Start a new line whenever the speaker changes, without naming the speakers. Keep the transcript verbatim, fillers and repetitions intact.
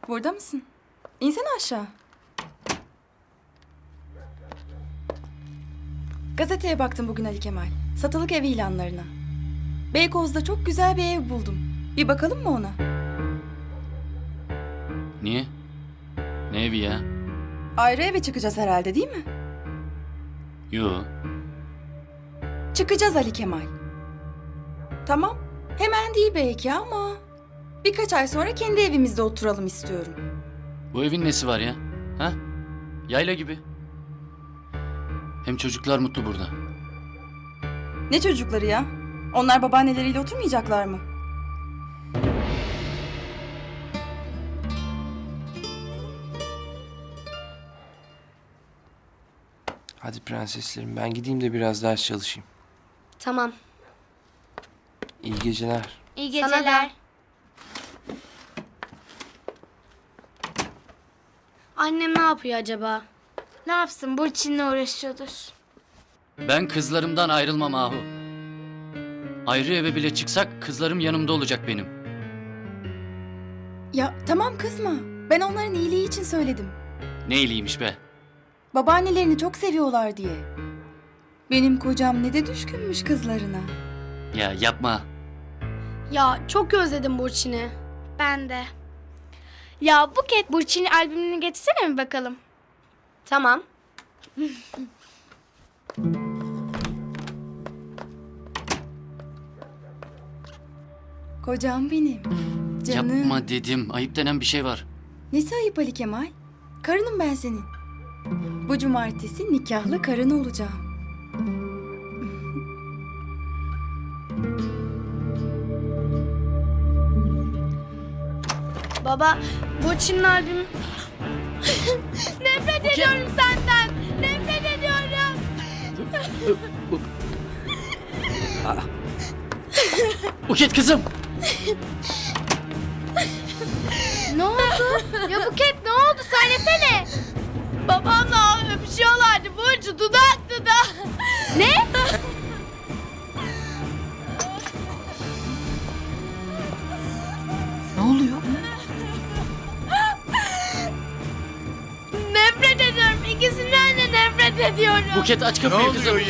Burada mısın? İnsene aşağı. Gazeteye baktım bugün Ali Kemal. Satılık ev ilanlarına. Beykoz'da çok güzel bir ev buldum. Bir bakalım mı ona?
Niye? Ne evi ya?
Ayrı eve çıkacağız herhalde değil mi?
Yo.
Çıkacağız Ali Kemal. Tamam. Hemen değil belki ama... Birkaç ay sonra kendi evimizde oturalım istiyorum.
Bu evin nesi var ya? Ha? Yayla gibi. Hem çocuklar mutlu burada.
Ne çocukları ya? Onlar babaanneleriyle oturmayacaklar mı?
Hadi prenseslerim, ben gideyim de biraz ders çalışayım.
Tamam.
İyi geceler.
İyi
Sana da.
geceler.
Annem ne yapıyor acaba?
Ne yapsın? Burçin'le uğraşıyordur.
Ben kızlarımdan ayrılmam Ahu. Ayrı eve bile çıksak kızlarım yanımda olacak benim.
Ya tamam kızma. Ben onların iyiliği için söyledim.
Ne iyiliğiymiş be.
Babaannelerini çok seviyorlar diye. Benim kocam ne de düşkünmüş kızlarına.
Ya yapma.
Ya çok özledim Burçin'i.
Ben de. Ya Buket, Burçin'in albümünü getirsene mi bakalım?
Tamam.
Kocam benim. Canım.
Yapma dedim. Ayıp denen bir şey var.
Nesi ayıp Ali Kemal? Karınım ben senin. Bu cumartesi nikahlı karın olacağım.
Baba, Burçin'in albümü...
Nefret ediyorum senden. Nefret ediyorum.
Buket kızım.
Ne oldu? Ya Buket ne oldu? Söylesene. Babamla öpüşüyorlardı Burcu. Dudak dudak. Ne?
Ne oluyor?
Nefret ediyorum. İkisinden de nefret ediyorum.
Buket aç kapıyı kızım.